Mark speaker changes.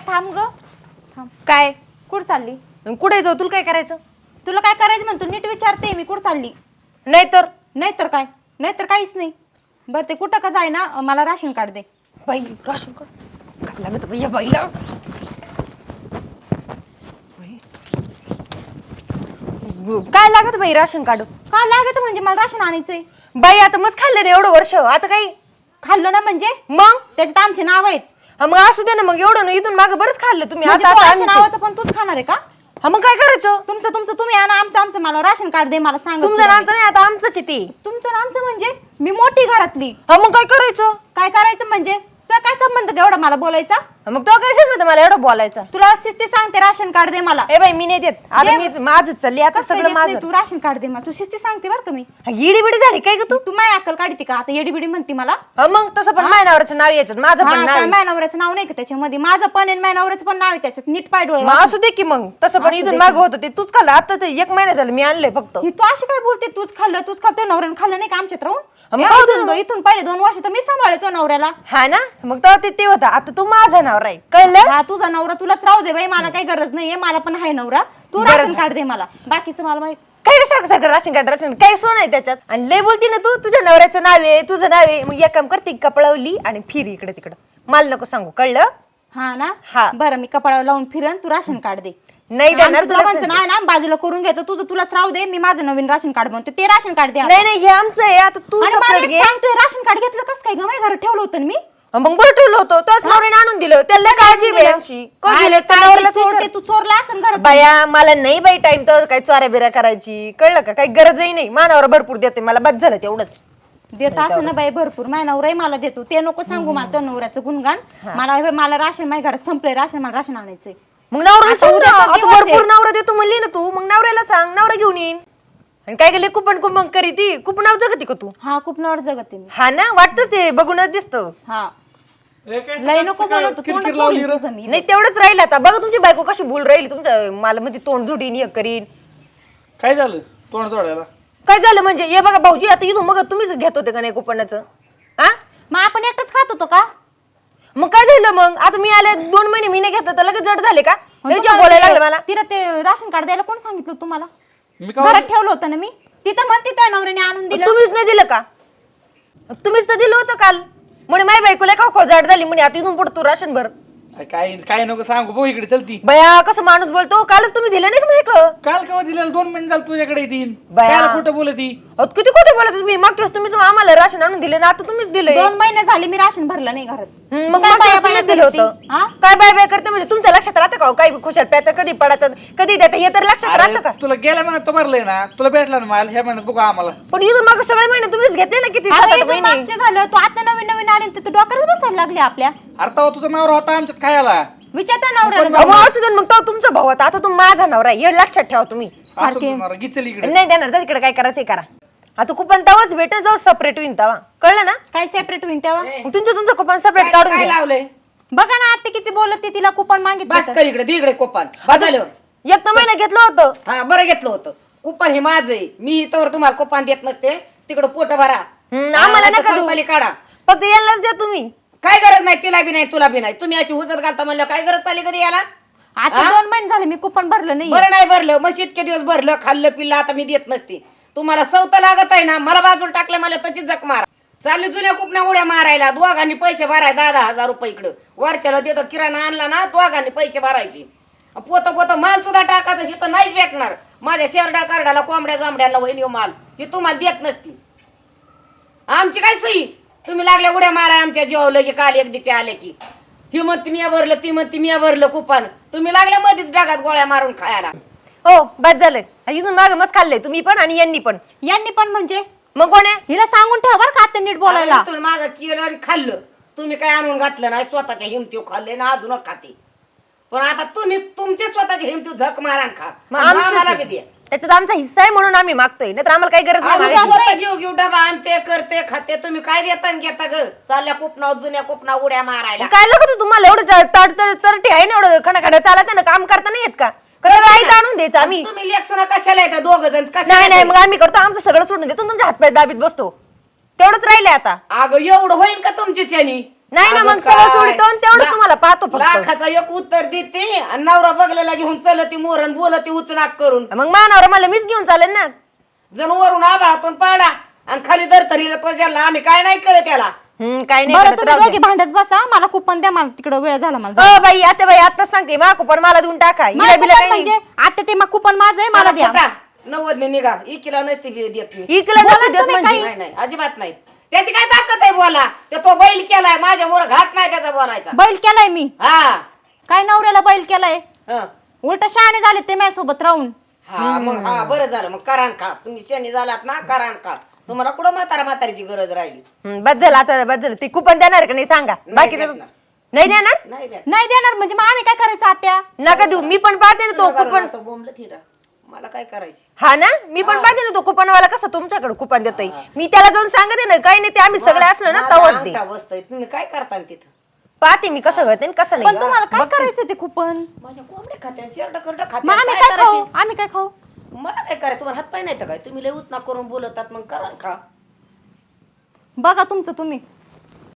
Speaker 1: थांब ग थांब.
Speaker 2: काय
Speaker 1: कुठं चालली?
Speaker 2: कुठे जाऊ तुला काय करायचं?
Speaker 1: तुला काय करायचं म्हणतो नीट विचारते मी. कुठं चालली?
Speaker 2: नाहीतर
Speaker 1: नाहीतर काय? नाहीतर काहीच नाही. बरं ते कुठं का जाय ना, मला राशन कार्ड दे.
Speaker 2: बाई राशन कार्ड काय लागत बाई या बाईला? काय लागत बाई राशन कार्ड?
Speaker 1: का लागत म्हणजे मला राशन आणायचंय.
Speaker 2: बाई आता मस्त खाल्लं ना एवढं वर्ष, आता काही
Speaker 1: खाल्लं ना म्हणजे
Speaker 2: मग
Speaker 1: त्याच्यात आमचे नाव आहेत.
Speaker 2: हा मग असू दे ना, मग एवढं ना इथून मागं बरंच खाल्लं तुम्ही.
Speaker 1: म्हणजे
Speaker 2: आता
Speaker 1: तो
Speaker 2: आता
Speaker 1: आमच्या
Speaker 2: आमचं.
Speaker 1: नावाचं पण तूच खाणार आहे का?
Speaker 2: हा मग काय करायचं?
Speaker 1: तुमचं तुमचं तुम्ही आणा, आमचं आमचं मला राशन कार्ड दे. मला सांग
Speaker 2: तुमचं नामचं नाही, आता आमचंच आहे ते.
Speaker 1: तुमचं ना आमचं म्हणजे मी मोठी घरातली.
Speaker 2: हा मग काय करायचं?
Speaker 1: काय करायचं म्हणजे तुला काय संबंध एवढा मला बोलायचा?
Speaker 2: हा मग तो काय सांगत मला एवढं बोलायचं?
Speaker 1: तुला शिस्ती सांगते राशन कार्ड दे मला.
Speaker 2: ए बाई मी नाही देत आता, मी माझं चालली आता
Speaker 1: कसं काय
Speaker 2: सगळं
Speaker 1: देत नाही?
Speaker 2: माझं.
Speaker 1: तू राशन कार्ड दे मला. तू शिस्ती सांगते बरं का मी.
Speaker 2: येडी बिडी झाली काय ग तू?
Speaker 1: तू माय अक्कल काढते का आता? येडी बिडी म्हणते मला.
Speaker 2: हा मग तसं पण माझ्या नावाचं नाव यायचं, माझं पण नाव आहे.
Speaker 1: माझ्या नवऱ्याचं नाव नाही का त्याच्यामध्ये? माझं पण आहे, माझ्या नवऱ्याचं पण नाव आहे त्याच्यात. नीट पाय डोळे
Speaker 2: मग असू दे की मग. तसं पण इथून मागं होतं ते तूच खाल्लं. आता ते 1 महिना झालं मी आणलंय फक्त.
Speaker 1: ही तू अशी काय बोलते? तूच खाल्लं तूच खातो. नवऱ्यानं खाल्लं नाही का आमच्यात राहून?
Speaker 2: मग
Speaker 1: या
Speaker 2: खाऊ
Speaker 1: इथून पहिले 2 वर्ष तर मी सांभाळतो नवऱ्याला.
Speaker 2: हा ना, मग तेव्हा ते होतं. आता तू माझा नवरा आहे, कळलं?
Speaker 1: हा तुझा नवरा तुलाच राहू दे बाई, मला काही गरज नाहीये. मला पण आहे नवरा. तू राशन कार्ड दे मला. बाकीचं मला माहित.
Speaker 2: काय रे सारखं सारखं राशन कार्ड राशन काय सोन आहे त्याच्यात? आणि लय बोलती ना तू, तुझ्या नवऱ्याचं नाव आहे तुझं नाव आहे. मग एक काम करते, कपडावली आणि फिर इकडे तिकडं. मला नको सांगू, कळलं?
Speaker 1: हा ना.
Speaker 2: हा.
Speaker 1: बरं मी कपाळावर लावून फिरन, तू राशन कार्ड दे.
Speaker 2: नाही देणार तुला.
Speaker 1: दोघांचं नाव ना बाजूला करून घेतो. तुझं तुलाच राहू दे. मी माझं नवीन राशन कार्ड बनवते. ते राशन कार्ड दे.
Speaker 2: नाही नाही हे आमचं आहे, आता तू
Speaker 1: आणि मला
Speaker 2: separate
Speaker 1: एक
Speaker 2: घे.
Speaker 1: सांगतोय राशन कार्ड घेतलं कसं काय ग? माझ्या घरात ठेवलं होतं ना मी.
Speaker 2: मग बरं ठेवलं होतं, तोच नवऱ्याने आणून दिलं. त्याला काळजी आहे आमची. कोण
Speaker 1: काय
Speaker 2: दिलं? त्या
Speaker 1: काय
Speaker 2: नवऱ्याला
Speaker 1: ते चोरटे, तू चोरला असं घरात.
Speaker 2: बाया मला नाही बाई टाइम तर काही चोऱ्या बिऱ्या करायची, कळलं का? काही गरजही नाही. मानावर भरपूर देते, मला बस झालं तेवढंच.
Speaker 1: देत असं ना बाई भरपूर. माझ्या नवराही मला देतो. ते नको सांगू मला तो नवऱ्याचं गुणगान. मला राशन माझ्या घरात संपलंय राशन. मला राशन आणायचंय.
Speaker 2: मग नवऱ्याला
Speaker 1: आता
Speaker 2: सांग ना,
Speaker 1: उद्याचा
Speaker 2: आता
Speaker 1: दिवस आहे.
Speaker 2: भरपूर नवरा देतो म्हणली ना तू, मग नवऱ्याला सांग, नवरा घेऊन येईन. आणि काय गेले कुपन कुपन करी ती कुपनाव जगती का तू?
Speaker 1: हा खूप नवर जगते मी.
Speaker 2: हा ना, वाटतं ते बघूनच दिसतं.
Speaker 1: हा लय नको बोलतो. तोंड चोळीन तुझं मी.
Speaker 2: नाही तेवढंच राहिलं. आता बघा तुमची बायको कशी बोल राहील तुमच्या मला, मध्ये तोंड झुडीन हे करीन.
Speaker 3: काय झालं तोंड सोडायला?
Speaker 2: काय झालं म्हणजे? हे बघा भाऊजी, आता इथून मग तुम्हीच घेत होते का नाही कुपनाचं? हा
Speaker 1: मग आपण एकटच खात होतो का?
Speaker 2: मग काय झालं मग? आता मी आले 2 महिने मी नाही घेतलं तर लगेच जड झाले का? बोलायला लागलं मला.
Speaker 1: तिला ते राशन कार्ड द्यायला कोण सांगितलं तुम्हाला?
Speaker 3: मी का
Speaker 1: घरात ठेवलं होतं ना मी. तिथं म्हणते त्या नवऱ्याने आणून दिलं.
Speaker 2: तुम्हीच नाही दिलं का? तुम्हीच तर दिलं होतं काल. म्हणे माय बायकोला खाऊ जाड झाली म्हणे, आता इथून पुढे तू राशन भर.
Speaker 3: काय काय नको सांगू भाऊ, इकडे चलती.
Speaker 2: बया कसं माणूस बोलतो? कालच तुम्ही दिलं नाही का माहिती?
Speaker 3: काल केव्हा दिलेलं? 2 महिने झालं तुझ्याकडे येतील.
Speaker 2: बया.
Speaker 3: काय खोटं बोलती?
Speaker 2: किती खोटे बोलत तुम्ही. मागच्या वेळेस तुम्हीच आम्हाला राशन आणून दिले ना, आता तुम्हीच दिले.
Speaker 1: 2 महिने झाले मी राशन भरलं नाही घरात.
Speaker 2: मग
Speaker 1: काय
Speaker 2: मागच्या
Speaker 1: बाया
Speaker 2: वेळेस
Speaker 1: बाया
Speaker 2: तुम्हीच दिलं
Speaker 1: करते?
Speaker 2: होतं.
Speaker 1: हा?
Speaker 2: काय बाय बाय करते म्हणजे तुमच्या लक्षात राहतं का? काही खुशाल प्यात कधी पडतात कधी देतात हे तर लक्षात राहतं का?
Speaker 3: अरे, तुला गेल्या महिन्यात तर भरलंय ना, तुला भेटला ना माल. ह्या महिन्यात बघू आम्हाला.
Speaker 2: पण इथून माग सगळे महिने तुम्हीच घेतले ना, किती
Speaker 1: अगं,
Speaker 2: 7-8
Speaker 1: इथून
Speaker 2: महिने.
Speaker 1: मागचे झालं. तू आता नवीन नवीन आली तर तू डोक्यात बसायला लागली आपल्या.
Speaker 3: अरे तेव्हा तुझा नवरा होता आमच्यात खायला.
Speaker 1: विचारता नवऱ्याला
Speaker 2: अहो,
Speaker 1: जाऊन.
Speaker 2: असू दे मग तो तुमचा भाऊ आता. आता तू माझा नवरा आहे, हे लक्षात ठेवा तुम्ही.
Speaker 1: सारखे
Speaker 3: गिचल इकडे.
Speaker 2: नाही देणार तर तिकडे काय करायचं करा. आता कुपन तवाच भेटेल जाऊ सेपरेट होईन तवा, कळलं ना?
Speaker 1: काय सेपरेट होईन तेव्हा?
Speaker 2: मग तुमचं कुपन सेपरेट काढून
Speaker 4: काय
Speaker 2: घ्या.
Speaker 4: लावलंय?
Speaker 1: बघा ना आता किती बोलत तिला कुपन मागितलं
Speaker 4: बस
Speaker 1: तर.
Speaker 4: कर इकडे, दे इकडे कोपन. बदल.
Speaker 2: एक तर महिना घेतलं होतं.
Speaker 4: हा बरं घेतलं होतं. कुपन हे माझं आहे. मी तर तुम्हाला कुपन देत नसते. तिकडं पोट भरा.
Speaker 2: आम्हाला नका देऊ.
Speaker 4: संपाली काढा.
Speaker 2: फक्त यांनाच द्या तुम्ही.
Speaker 4: काय गरज नाही, तिला बी नाही तुला बी नाही. तुम्ही अशी हुजत घालता म्हणलं काय गरज चालली कधी याला?
Speaker 1: आता 2 महिने झाले मी कुपन भरलं नाही.
Speaker 4: बरं नाही भरलं, मग इतके दिवस भरलं खाल्लं पिल्लं, आता मी देत नसते. तुम्हाला सवत लागत आहे ना, मला बाजूला टाकलं मला तशी जक मारा. चालली जुन्या कुपण्या उड्या मारायला. दोघांनी पैसे भराय 10,000 रुपये इकडं वर्षाला देतो. किराणा आणला ना, दोघांनी पैसे भरायचे. पोत माल सुद्धा टाकायचं. हे तर नाहीच भेटणार. माझ्या शेरडा कार्डाला कोंबड्या जांबड्याला वहिनी माल हे तुम्हाला देत नसती. आमची काय सोयी? तुम्ही लागल्या उड्या माराय आमच्या जेवलं की काल एक दिचे आले की ही म्हणते मी भरलं, ती म्हणते मी भरलं कुपन. तुम्ही लागल्या मध्येच डागात गोळ्या मारून खायला.
Speaker 2: हो बस झालं. इथून माग मस्त खाल्लंय तुम्ही पण आणि यांनी पण.
Speaker 1: यांनी पण म्हणजे
Speaker 2: मग कोण आहे?
Speaker 1: हिला सांगून ठेवा बरं का आता नीट बोलायला.
Speaker 4: तुम्ही माझं केलं आणि खाल्लं. तुम्ही काय आणून घातलं नाही, स्वतःच्या हिमतीव खाल्ले ना, अजून खाते. पण आता तुम्ही तुमचे स्वतःच्या हिमतीव झक मारा खा.
Speaker 2: मग
Speaker 4: आम्हाला बी
Speaker 2: आमचं
Speaker 4: द्या.
Speaker 2: त्याच्यात आमचा हिस्सा आहे म्हणून आम्ही मागतोय, नाहीतर आम्हाला काही गरज नाही
Speaker 4: आम्ही
Speaker 2: मागायची.
Speaker 4: स्वतः घेऊ डबा आणते करते खाते. तुम्ही काय देता आणि घेता ग? चालल्या कुपना जुन्या कुपना उड्या मारायला.
Speaker 2: काय लागत तुम्हाला एवढं तडतडी आहे ना, एवढं खणाखडा चालत ना, काम करता नाही येत का? कसं आणून द्यायचं आम्ही?
Speaker 4: तुम्ही लेखसुना कशाला येतात 2 जण?
Speaker 2: नाही नाही, मग आम्ही करतो आमचं सगळं सोडून देतो, तुमच्या हातपाय दाबीत बसतो. तेवढंच राहिले आता.
Speaker 4: अगं एवढं होईल का तुमची चॅनी?
Speaker 2: नाही ना,
Speaker 4: अगं
Speaker 2: मग सगळं
Speaker 4: काय?
Speaker 2: सोडितो आणि तेवढं
Speaker 4: ला-
Speaker 2: तुम्हाला पाहतो फक्त.
Speaker 4: लाखाचा एक उत्तर देते आणि नवरा बघलेला घेऊन चलती मोरण बोलती उचनाक करून
Speaker 2: मग मानावर मला मीच घेऊन चालेल ना.
Speaker 4: जण वरून आभाळातून पाडा आणि खाली दरतरीला तो ज्याला आम्ही काय नाही करत त्याला.
Speaker 2: काय नाही
Speaker 1: बरं
Speaker 2: करत,
Speaker 1: तुम्ही
Speaker 2: राहू दे.
Speaker 1: दोघी भांडत बसा, मला कुपन द्या, मला तिकडं वेळ झाला मला जायला.
Speaker 2: बाई आताच सांगते मा कुपन मला देऊन टाका.
Speaker 1: मला
Speaker 2: हिला बिला
Speaker 1: कुपन
Speaker 2: काही नाही.
Speaker 1: म्हणजे आता ते मग कुपन माझं आहे, मला द्या.
Speaker 4: 90 निघा इकिला नसते देत मी.
Speaker 2: इकला
Speaker 1: बोला
Speaker 2: नसते देत
Speaker 1: तुम्ही
Speaker 2: म्हणजे.
Speaker 4: नाही नाही अजिबात नाही. त्याची काय ताकद आहे बोला. तो बैल केलाय माझ्या मोर घात नाही त्याचा बोलायचा.
Speaker 1: बैल केलाय मी,
Speaker 4: हा
Speaker 1: काय नवऱ्याला बैल केलाय,
Speaker 4: हं.
Speaker 1: उलट शहाणे झाले ते माझ्यासोबत राहून.
Speaker 4: हा मग हा बरं झालं मग करान खा. तुम्ही शनी झालात ना करान खा. तुम्हाला कुठं म्हातारीची गरज राहिली.
Speaker 2: बस झालं आता, बस झालं. ते कुपन देणार का नाही सांगा. बाकी
Speaker 4: देणार.
Speaker 2: नाही देणार.
Speaker 4: नाही द्या.
Speaker 1: नाही देणार म्हणजे मग आम्ही काय करायचं आत्या?
Speaker 2: नका देऊ, मी पण पाहते ना तो कुपन.
Speaker 4: असं बोंबलं थिडा. मला काय करायचे.
Speaker 2: हा ना, मी पण पाहते ना तो कुपनवाला कसं तुमच्याकडे कुपन देतोय. मी त्याला जाऊन सांगते ना, काही नाही ते आम्ही सगळे असलो ना
Speaker 4: माझा
Speaker 2: तवच दे.
Speaker 4: अंगठा बसतोय. तुम्ही काय करता तिथं.
Speaker 2: पाहते मी कसं करते आणि कसं
Speaker 1: पण
Speaker 2: नाही.
Speaker 1: तुम्हाला काय करायचं ते कुपन?
Speaker 4: माझ्या कोंबड्या खात्या शेरडं करडं
Speaker 1: मग
Speaker 4: खात्या
Speaker 1: आम्ही
Speaker 4: काय
Speaker 1: काय खाऊ?
Speaker 4: करायचे?
Speaker 1: आम्ही काय खाऊ?
Speaker 4: मला काय करायचं तुम्हाला हात पाय नाही तर काय तुम्ही लय उतना करून बोलतात मग करा खा.
Speaker 1: बघा तुमचं तुम्ही.